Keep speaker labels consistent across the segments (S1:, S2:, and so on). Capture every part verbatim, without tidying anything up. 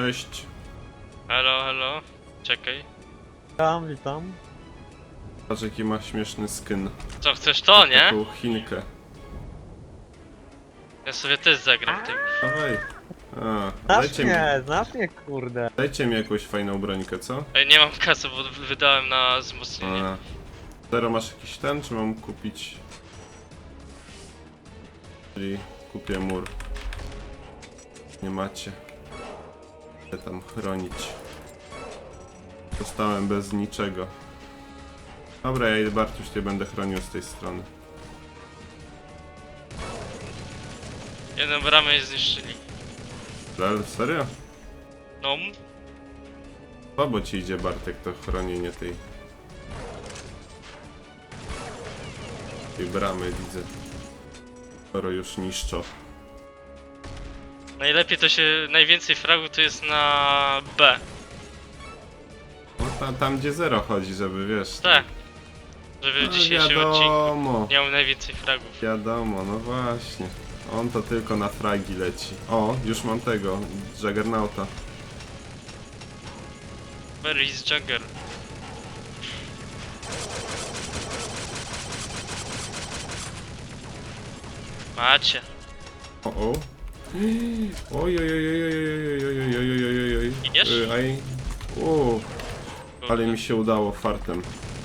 S1: Cześć.
S2: Halo, halo. Czekaj.
S3: Witam, witam.
S1: Patrz jaki ma śmieszny skin.
S2: Co, chcesz to, nie?
S1: Taką Chinkę.
S2: Ja sobie też zagram tym.
S1: Dawaj. A,
S3: Znasz
S1: dajcie mi,
S3: mnie, znasz mnie, kurde.
S1: dajcie mi jakąś fajną brońkę, co?
S2: Ej, nie mam kasy, bo wydałem na wzmocnienie.
S1: A. Zero masz jakiś ten, czy mam kupić? Czyli kupię mur. Nie macie. Chcę tam chronić. Zostałem bez niczego. Dobra, ja idę Bartuś, cię będę chronił z tej strony.
S2: Jedną bramę zniszczyli.
S1: Lel, serio?
S2: No,
S1: Słabo ci idzie, Bartek, to chronienie tej... tej bramy, widzę. Skoro już niszczą.
S2: najlepiej to się, najwięcej fragów to jest na B.
S1: No tam, tam gdzie zero chodzi, żeby wiesz...
S2: Tak. Żeby w
S1: No,
S2: dzisiejszym
S1: wiadomo.
S2: odcinku miał najwięcej fragów.
S1: Wiadomo, no właśnie. On to tylko na fragi leci. O, już mam tego, Juggernauta.
S2: Where is Jagger? Macie.
S1: O, o. Oj, oj, oj, oj, oj, oj, oj, oj, oj, oj, oj, oj.
S2: Idziesz?
S1: Y, Aj. O, ale mi się udało fartem.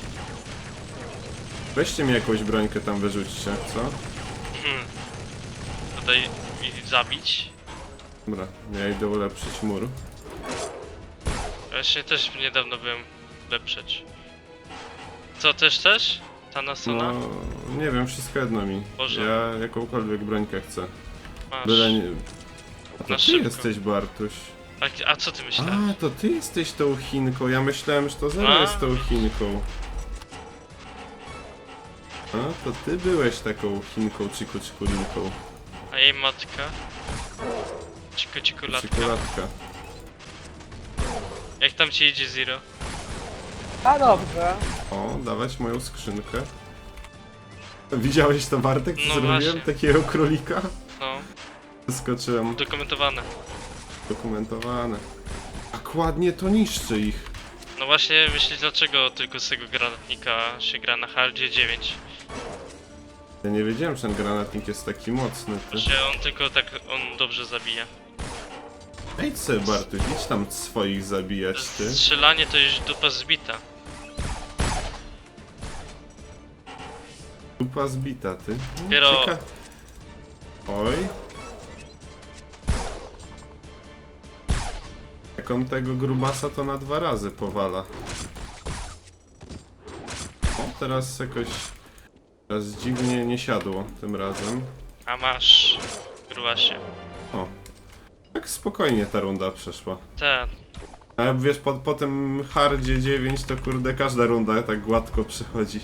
S1: Weźcie mi jakąś brońkę tam wyrzućcie, co?
S2: Hmm. Tutaj ich zabić.
S1: Dobra, ja idę ulepszyć mur.
S2: Właśnie też niedawno byłem lepszeć. Co, też też? Ta nasona?
S1: No, nie wiem, wszystko jedno mi.
S2: Boże.
S1: Ja jakąkolwiek brońkę chcę.
S2: Masz.
S1: Byle nie... A to
S2: Na
S1: ty
S2: szybko.
S1: jesteś, Bartuś.
S2: A, a co ty myślałeś?
S1: A, to ty jesteś tą Chinką. Ja myślałem, że to Zero
S2: A.
S1: jest tą Chinką. A, to ty byłeś taką Chinką, ciku cikulinką.
S2: A jej matka? Ciku ciku latka.
S1: Cikulatka.
S2: Jak tam ci idzie Zero?
S3: A dobrze.
S1: O, dawać moją skrzynkę. Widziałeś to, Bartek, co
S2: No
S1: zrobiłem?
S2: właśnie.
S1: Takiego królika?
S2: No,
S1: Skoczyłem.
S2: udokumentowane.
S1: Dokumentowane. Tak ładnie to niszczy ich.
S2: No właśnie myślisz dlaczego tylko z tego granatnika się gra na hardzie dziewięć?
S1: Ja nie wiedziałem, że ten granatnik jest taki mocny. Ty.
S2: Że on tylko tak, on dobrze zabija.
S1: Ej, sobie, Bartuś, idź tam swoich zabijać, ty.
S2: Strzelanie to już dupa zbita.
S1: Dupa zbita, ty. No,
S2: Dopiero-
S1: cieka- Oj. Jak on tego grubasa to na dwa razy powala. O, teraz jakoś... Teraz dziwnie nie siadło tym razem.
S2: A masz, grubasie.
S1: O. Tak spokojnie ta runda przeszła.
S2: Tak,
S1: A wiesz, po, po tym hardzie dziewięć to kurde każda runda tak gładko przychodzi.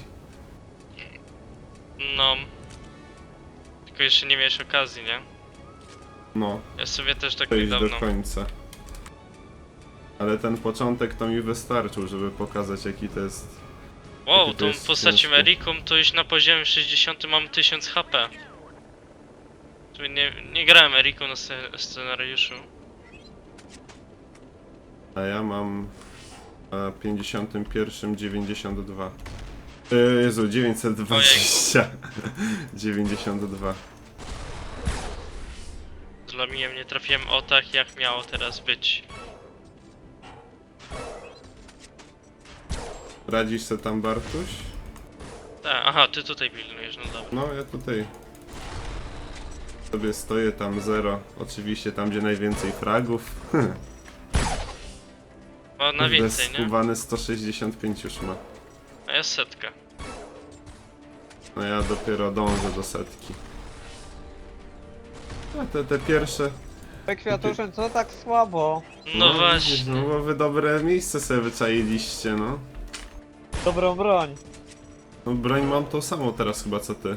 S2: no. Tylko jeszcze nie miałeś okazji, nie?
S1: No,
S2: Ja sobie też tak
S1: to iść do
S2: niedawno.
S1: końca. Ale ten początek to mi wystarczył, żeby pokazać jaki to jest...
S2: Wow,
S1: Jaki to
S2: tą
S1: jest
S2: postacią
S1: ciężkie.
S2: Eriką to już na poziomie sześćdziesiątym mam tysiąc H P. Tu nie, nie grałem Eriką na sce- scenariuszu.
S1: A ja mam na pięćdziesiątym pierwszym dziewięćdziesiąt dwa. Yy, Jezu, dziewięćset dwadzieścia. dziewięćdziesiąt dwa.
S2: Z Lamijem nie trafiłem o tak jak miało teraz być.
S1: Radzisz se tam, Bartuś?
S2: Tak, aha, ty tutaj pilnujesz, no dobra.
S1: No, ja tutaj sobie stoję tam zero. Oczywiście tam, gdzie najwięcej fragów.
S2: O, na więcej, nie?
S1: Skubany sto sześćdziesiąt pięć już ma.
S2: A ja setka.
S1: No ja dopiero dążę do setki. A te, te pierwsze...
S3: Te kwiatusze, co tak słabo?
S2: No
S1: widzisz,
S2: właśnie.
S1: No bo wy dobre miejsce sobie wyczailiście, no.
S3: Dobrą broń.
S1: No broń mam tą samą teraz chyba co ty.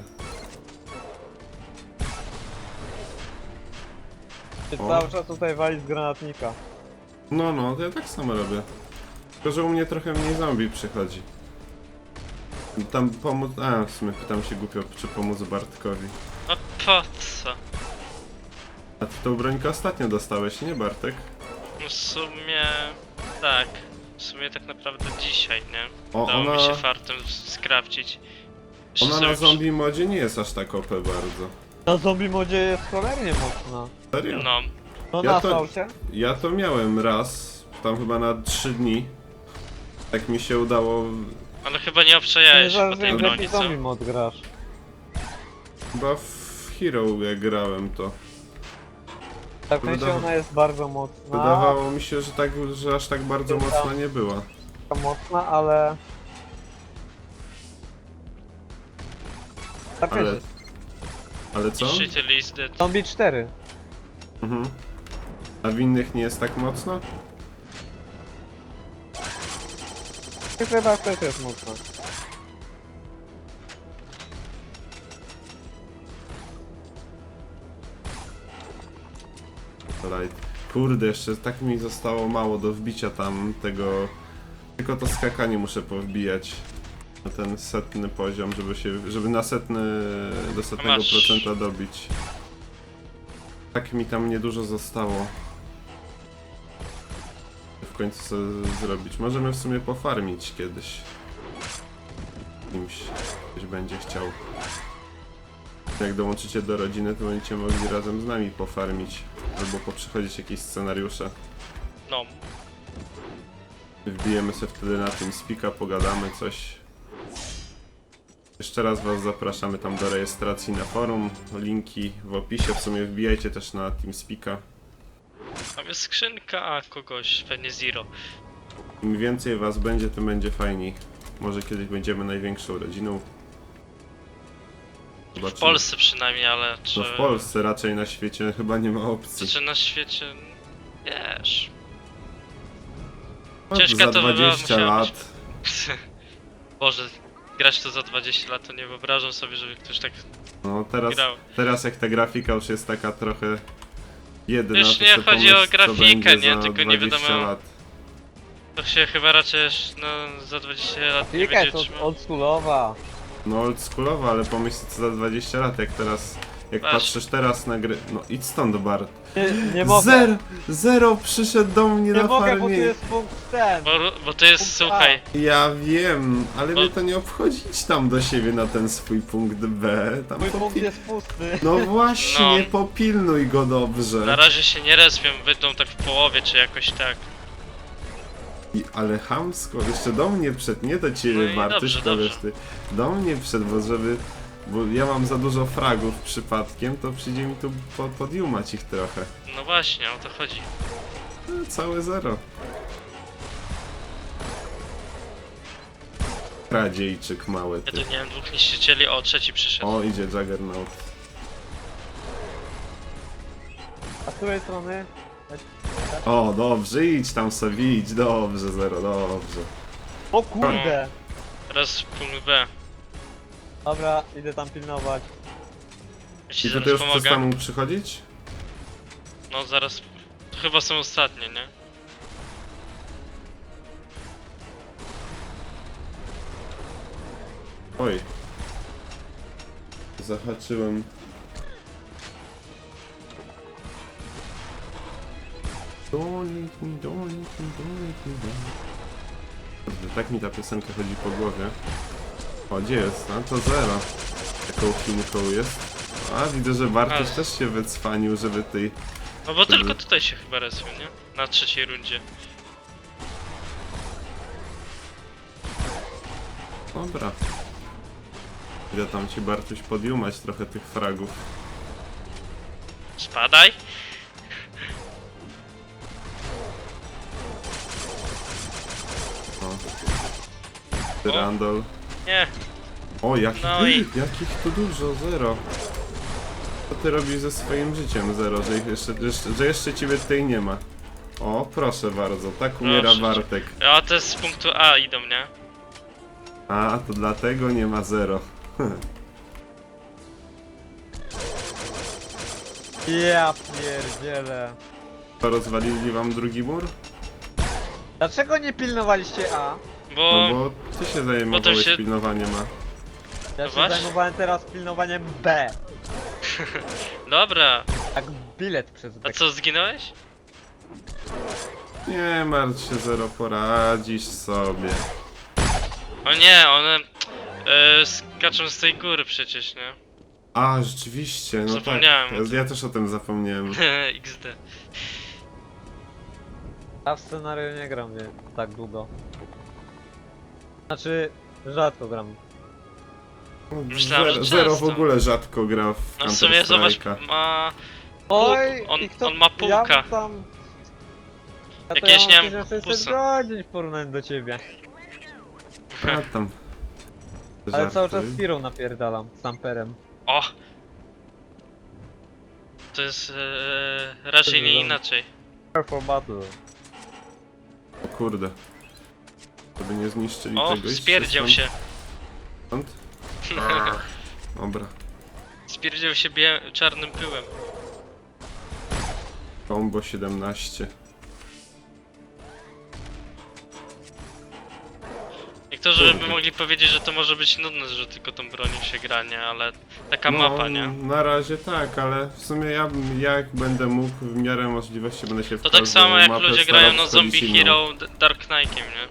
S3: Ty
S1: O.
S3: cały czas tutaj wali z granatnika.
S1: No, no, to ja tak samo robię. Tylko, że u mnie trochę mniej zombie przychodzi. Tam pomóc... A, w sumie pytam się głupio, czy pomóc Bartkowi.
S2: A po co?
S1: A ty tą brońkę ostatnio dostałeś, nie Bartek?
S2: No w sumie... Tak. W sumie tak naprawdę dzisiaj, nie?
S1: O,
S2: Udało
S1: ona,
S2: mi się fartem skrawcić. Jeszcze
S1: ona
S2: sobie
S1: na
S2: przy-
S1: zombie modzie nie jest aż tak O P bardzo.
S3: Na zombie modzie jest cholernie mocna.
S1: Serio?
S2: No,
S3: No
S1: Ja
S3: na
S1: to-
S3: saucie?
S1: Ja to miałem raz, tam chyba na trzy dni. Tak mi się udało,
S2: ale chyba nie
S3: Nie
S2: obczajałeś po
S3: zależy
S2: tej
S3: jak
S2: broni,
S3: jaki
S2: co?
S3: zombie mod grasz.
S1: chyba w Hero jak grałem to.
S3: Tak w sensie
S1: Wydawa-
S3: ona jest bardzo mocna.
S1: Wydawało mi się, że, tak, że aż tak bardzo
S3: Dobra.
S1: mocna nie była.
S3: Taka mocna, ale... Tak
S1: Ale...
S3: wiecie,
S1: Ale co?
S2: Niszczyciel is dead.
S3: Zombie cztery.
S1: Mhm. A w innych nie jest tak mocno?
S3: I chyba też jest mocna.
S1: Light. Kurde, jeszcze tak mi zostało mało do wbicia tam tego... Tylko to skakanie muszę powbijać. Na ten setny poziom, żeby się... żeby na setny... do setnego
S2: Masz.
S1: procenta dobić. Tak mi tam niedużo zostało. W końcu sobie zrobić. Możemy w sumie pofarmić kiedyś. Kimś ktoś będzie chciał. Jak dołączycie do rodziny, to będziecie mogli razem z nami pofarmić. Albo poprzechodzić jakieś scenariusze.
S2: No.
S1: Wbijemy sobie wtedy na tym spika, pogadamy coś. Jeszcze raz was zapraszamy tam do rejestracji na forum. Linki w opisie. W sumie wbijajcie też na TeamSpeaka.
S2: Tam jest skrzynka, a kogoś, pewnie Zero.
S1: Im więcej was będzie, tym będzie fajniej. Może kiedyś będziemy największą rodziną.
S2: W
S1: Zobaczymy.
S2: Polsce przynajmniej, ale czy...
S1: No w Polsce, raczej na świecie chyba nie ma opcji.
S2: Czy na świecie... Wiesz...
S1: No,
S2: ciężka
S1: za
S2: to by była-
S1: dwadzieścia
S2: musiała
S1: lat.
S2: Boże, grać to za dwadzieścia lat, to nie wyobrażam sobie, żeby ktoś tak
S1: No teraz,
S2: grał.
S1: teraz jak ta grafika już jest taka trochę jedyna,
S2: Już
S1: to
S2: nie
S1: sobie
S2: chodzi o
S1: pomyśl, co
S2: grafikę,
S1: będzie
S2: nie?
S1: za
S2: Tylko nie
S1: dwadzieścia
S2: wiadomo-
S1: lat.
S2: To się chyba raczej no, za dwadzieścia lat nie
S3: Klika
S2: będzie
S3: jest od,
S2: trzymał.
S3: oldschoolowa.
S1: No oldschoolowa, ale pomyśl co za dwadzieścia lat, jak teraz, jak
S2: Weź.
S1: patrzysz teraz na gry... No idź stąd, Bart.
S3: Nie, nie mogę.
S1: Zero, zero przyszedł do mnie
S3: Nie
S1: na
S3: mogę, bo tu
S1: farmie.
S3: jest punkt ten.
S2: Bo, bo to jest,
S3: Punkt
S2: słuchaj,
S1: Ja wiem, ale
S2: Bo-
S1: mnie to nie obchodzi. Idź tam do siebie na ten swój punkt B. Tam
S3: Mój punkt
S1: popi-
S3: jest pusty.
S1: No właśnie,
S2: No.
S1: popilnuj go dobrze.
S2: na razie się nie respią, wyjdą tak w połowie, czy jakoś tak.
S1: I, ale chamsko, jeszcze do mnie przed, nie do ciebie,
S2: No i
S1: Bartuś,
S2: dobrze,
S1: to wiesz
S2: dobrze.
S1: ty. Do mnie przed, bo żeby... Bo ja mam za dużo fragów przypadkiem, to przyjdzie mi tu po, podjumać ich trochę.
S2: No właśnie, o to chodzi.
S1: No, całe zero. Kradziejczyk mały
S2: Ja
S1: ty.
S2: tu nie wiem, dwóch niszczycieli, o, trzeci przyszedł.
S1: O, idzie Juggernaut.
S3: A z której strony?
S1: O, dobrze, idź tam sobie, idź, dobrze, zero, dobrze.
S3: O kurde!
S2: Teraz punkt B.
S3: Dobra, idę tam pilnować.
S2: Ja ci
S1: I to ty
S2: zaraz
S1: już chcesz
S2: pomogę.
S1: tam przychodzić?
S2: No zaraz. To chyba są ostatnie, nie?
S1: Oj. Zahaczyłem. Don't leave me, don't leave me, don't leave me, don't. Kurde, tak mi ta piosenka chodzi po głowie. O, gdzie jest? A to zero. Taką chinką jest. A, widzę, że Bartosz
S2: A.
S1: też się wycwanił, żeby tej...
S2: No bo
S1: Wtedy-
S2: tylko tutaj się chyba respią, nie? Na trzeciej rundzie.
S1: Dobra. Idę tam ci, Bartuś, podjumać trochę tych fragów.
S2: Spadaj!
S1: O. Tyrandol.
S2: Nie,
S1: O, jakich,
S2: No i-
S1: jakich tu dużo, zero. Co ty robisz ze swoim życiem, zero, że, ich jeszcze, jeszcze, że jeszcze ciebie tutaj nie ma? O, proszę bardzo, tak umiera
S2: Proszę cię.
S1: Bartek.
S2: a te z punktu A idą, nie?
S1: A, to dlatego nie ma zero.
S3: Ja pierdzielę.
S1: To rozwalili wam drugi mur?
S3: Dlaczego nie pilnowaliście A?
S2: Bo...
S1: No bo ty się zajmowałeś
S2: się-
S1: pilnowaniem A.
S3: Ja
S2: No
S3: się
S2: właśnie.
S3: zajmowałem teraz pilnowaniem B.
S2: Dobra,
S3: Jak bilet przez B.
S2: a co, zginąłeś?
S1: Nie martw się, Zero, poradzisz sobie.
S2: O nie, one e, skaczą z tej góry przecież, nie?
S1: A, rzeczywiście, no
S2: Zapomniałem o
S1: tak. Ja, ja też o tym zapomniałem.
S2: X D.
S3: Ja w scenariu nie gram wie, tak długo. Znaczy, rzadko gram.
S2: Myślałem,
S1: Zero,
S2: że
S1: Zero w
S2: często.
S1: ogóle rzadko gra w
S2: No w sumie zobacz,
S1: Counter-Strike'a.
S2: ma...
S3: Oj,
S2: on-
S3: i kto,
S2: on ma półkę.
S3: Ja mam tam... Ja to
S2: Jakieś, nie
S3: ja
S2: wiem,
S3: mam tysiąc sześćset
S2: pusy.
S3: godzin w porównaniu do ciebie.
S1: A tam.
S3: Ale cały czas
S1: Żartuj.
S3: Spirą napierdalam, z Amperem.
S2: O! To jest e, raczej nie inaczej.
S3: For battle.
S1: O kurde. Żeby nie zniszczyli
S2: O,
S1: tego. idźcie
S2: spierdział
S1: stąd.
S2: się.
S1: Stąd? Dobra.
S2: Spierdział się bie czarnym pyłem.
S1: Combo siedemnaście.
S2: Niektórzy by
S1: Kurde.
S2: mogli powiedzieć, że to może być nudne, że tylko tą bronią się gra, nie? Ale taka
S1: No,
S2: mapa, nie?
S1: na razie tak, ale w sumie ja bym- jak będę mógł, w miarę możliwości będę się w
S2: To tak
S1: każdą
S2: samo jak
S1: mapę
S2: ludzie
S1: starał
S2: grają na
S1: wchodzić
S2: Zombie
S1: inną.
S2: Hero D- Dark Knight'iem, nie?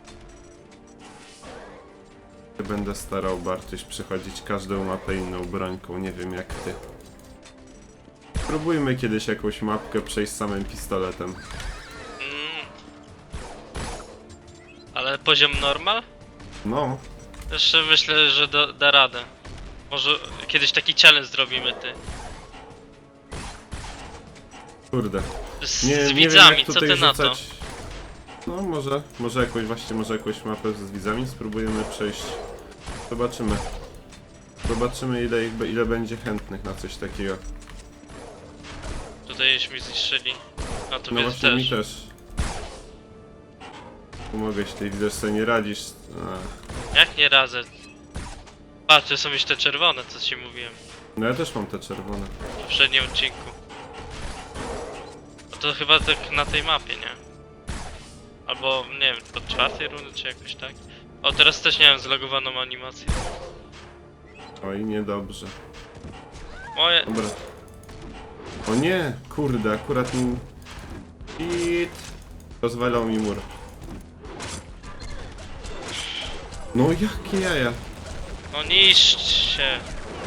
S1: Będę starał, Bartuś, przychodzić każdą mapę inną brońką, nie wiem jak ty. Spróbujmy kiedyś jakąś mapkę przejść samym pistoletem.
S2: Mm. Ale poziom normal?
S1: No,
S2: Jeszcze myślę, że da, da radę. Może kiedyś taki challenge zrobimy, ty.
S1: kurde.
S2: Z,
S1: Nie,
S2: z
S1: nie
S2: widzami,
S1: wiem jak
S2: co
S1: tutaj
S2: ty na to?
S1: rzucać. No może, może jakąś właśnie, może jakąś mapę z widzami spróbujemy przejść. Zobaczymy. Zobaczymy ile, ich, be- ile będzie chętnych na coś takiego.
S2: Tutaj już mi zniszczyli. A to
S1: No
S2: więc
S1: właśnie
S2: też.
S1: mi też. Pomogę ci, ty widzę, że sobie nie radzisz. A.
S2: Jak nie razem? A, to są już te czerwone, co ci mówiłem
S1: No ja też mam te czerwone.
S2: w poprzednim odcinku. No to chyba tak na tej mapie, nie? Albo, nie wiem, od czwartej rundy, czy jakoś tak? O, teraz też nie mam zlogowaną animację.
S1: Oj, niedobrze.
S2: Moje...
S1: Dobra. O nie! Kurde, akurat mi... Hit! Rozwalał mi mur. No jakie jaja!
S2: No niszcz się!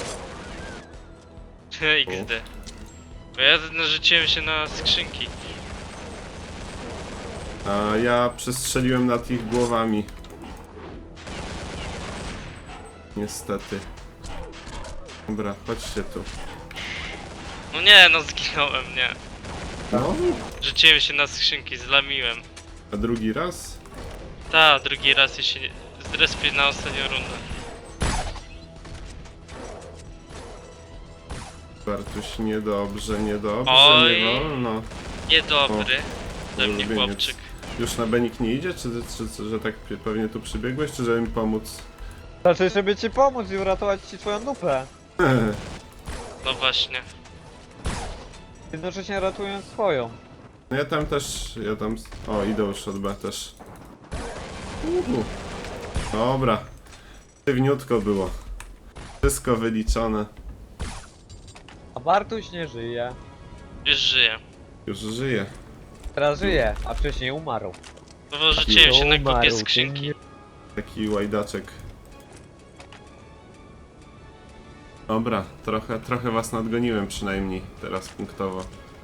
S2: X D. Bo ja narzuciłem się na skrzynki.
S1: A ja przestrzeliłem nad ich głowami. Niestety. Dobra, chodźcie tu.
S2: No nie, no zginąłem, nie.
S1: No,
S2: Rzuciłem się na skrzynki, zlamiłem.
S1: a drugi raz?
S2: Ta, drugi raz ja się zrespię na ostatnią rundę.
S1: Bartuś, niedobrze, niedobrze,
S2: Oj.
S1: nie wolno.
S2: Niedobry. Ze mnie
S1: ulubieniec.
S2: chłopczyk.
S1: Już na Benik nie idzie, czy, czy, czy że tak pewnie tu przybiegłeś, czy żeby mi pomóc?
S3: Znaczy, żeby ci pomóc i uratować ci twoją dupę.
S2: No właśnie.
S3: Jednocześnie ratując swoją.
S1: No ja tam też, ja tam... O, idę już od B też. Uhu. Dobra. Sztywniutko było. Wszystko wyliczone.
S3: A Bartuś nie żyje.
S2: Już żyję.
S1: Już żyje.
S3: Teraz żyje, a wcześniej umarł.
S2: No bo rzuciłem się na
S3: Umarł,
S2: kupię
S3: ty
S2: skrzynki.
S3: nie-
S1: Taki łajdaczek. Dobra, trochę, trochę was nadgoniłem przynajmniej, teraz punktowo.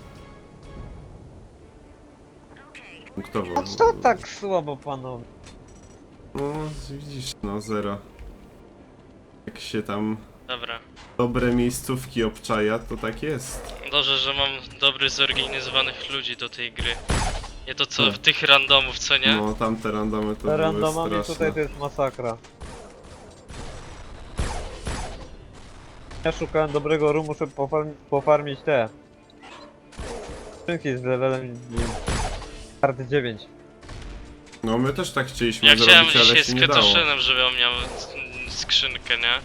S1: Punktowo.
S3: A co tak słabo, panowie?
S1: No, widzisz, no zero. Jak się tam
S2: Dobra.
S1: dobre miejscówki obczaja, to tak jest.
S2: Dobrze, że mam dobrych, zorganizowanych ludzi do tej gry. Nie to co
S1: Hmm.
S2: w tych randomów, co nie?
S1: No, tamte randomy to
S3: Te
S1: były
S3: randomami
S1: straszne.
S3: tutaj to jest masakra. Ja szukałem dobrego roomu, żeby pofarm pofarmić te skrzynki z levelem nie wiem, kart dziewięć.
S1: No, my też tak chcieliśmy
S2: Ja chciałem
S1: zrobić, ale
S2: dzisiaj
S1: się
S2: z
S1: nie dało.
S2: Ketoszynem, żeby on miał mm, skrzynkę, nie?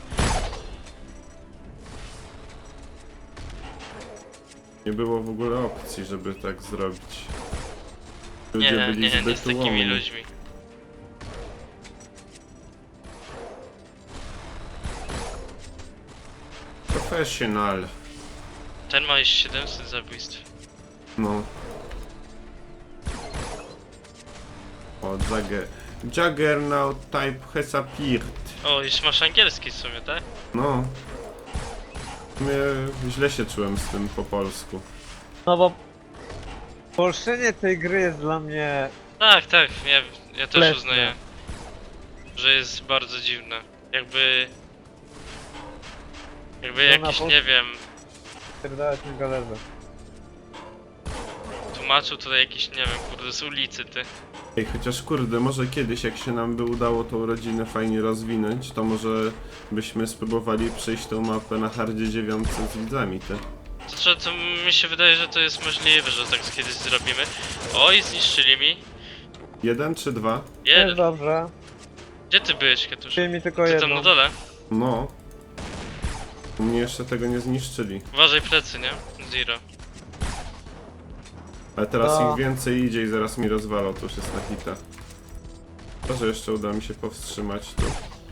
S1: Nie było w ogóle opcji, żeby tak zrobić. Ludzie
S2: Nie,
S1: byli
S2: nie, nie
S1: zbyt
S2: z takimi
S1: ułomni.
S2: ludźmi.
S1: Professional.
S2: Ten ma już siedemset zabójstw.
S1: No. O, Jagger... Juggernaut type has appeared.
S2: O, już masz angielski w sumie, tak?
S1: No. W sumie źle się czułem z tym po polsku.
S3: No bo... Polszczenie tej gry jest dla mnie...
S2: Tak, tak, ja, ja też
S3: Letne.
S2: uznaję, że jest bardzo dziwne. Jakby... Jakby
S3: To na
S2: jakiś,
S3: pol-
S2: nie wiem,
S3: Pierdalać mi galerze.
S2: tłumaczył tutaj jakiś, nie wiem, kurde, z ulicy, ty.
S1: Ej, chociaż kurde, może kiedyś jak się nam by udało tą rodzinę fajnie rozwinąć, to może byśmy spróbowali przejść tą mapę na hardzie dziewiątce z widzami, ty.
S2: Znaczy, to mi się wydaje, że to jest możliwe, że tak kiedyś zrobimy. Oj, zniszczyli mi.
S1: Jeden czy dwa?
S3: Jest
S2: Jeden.
S3: dobrze.
S2: Gdzie ty byłeś, Katusz?
S3: Czyli mi tylko
S2: Ty tam
S3: jedno.
S2: na dole?
S1: No. U mnie jeszcze tego nie zniszczyli.
S2: Uważaj plecy, nie? Zero.
S1: Ale teraz
S3: No.
S1: ich więcej idzie i zaraz mi rozwalą, to już jest na hita. Może jeszcze uda mi się powstrzymać tu.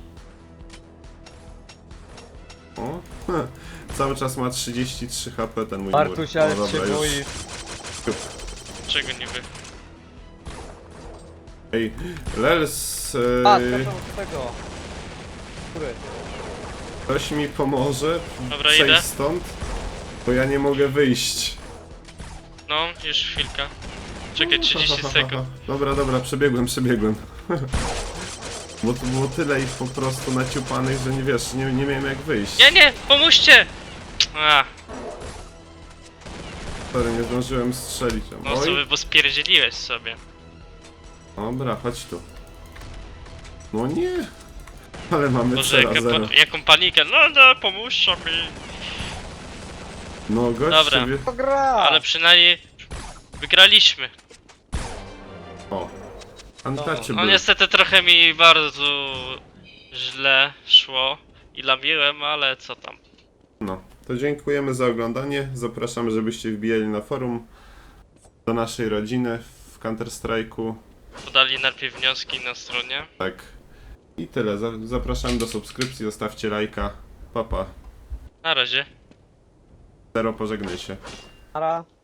S1: O, cały czas ma trzydzieści trzy H P ten mój mur.
S3: Bartuś, ale
S1: O,
S3: się
S1: dobra, już.
S3: boisz.
S2: Czego niby?
S1: Ej, Lels,
S3: A,
S1: yy,
S3: skaczą z tego. Który?
S1: ktoś mi pomoże
S2: Dobra,
S1: przejść
S2: idę.
S1: stąd, bo ja nie mogę wyjść.
S2: No, już chwilkę. Czekaj, trzydzieści sekund.
S1: Dobra, dobra, przebiegłem, przebiegłem. Bo tu było tyle ich po prostu naciupanych, że nie wiesz, nie, nie miałem jak wyjść.
S2: Nie, nie, pomóżcie! A,
S1: Sorry, nie zdążyłem strzelić.
S2: no
S1: Oj.
S2: sobie, bo spierdzieliłeś sobie.
S1: Dobra, chodź tu. No nie! Ale mamy
S2: Boże,
S1: zero,
S2: jaka
S1: zero.
S2: pa jaką panikę. No, no, pomóżcie mi.
S1: No gość
S2: Dobra.
S1: sobie...
S3: To gra!
S2: Ale przynajmniej wygraliśmy.
S1: O.
S2: No
S1: Untouchable.
S2: niestety trochę mi bardzo źle szło i lamiłem, ale co tam.
S1: No, to dziękujemy za oglądanie. Zapraszamy, żebyście wbijali na forum do naszej rodziny w Counter-Strike'u.
S2: Podali najpierw wnioski na stronie.
S1: Tak. I tyle. Za- Zapraszamy do subskrypcji, zostawcie lajka. Papa.
S2: Na razie.
S1: Zero, pożegnaj się.
S3: Ara.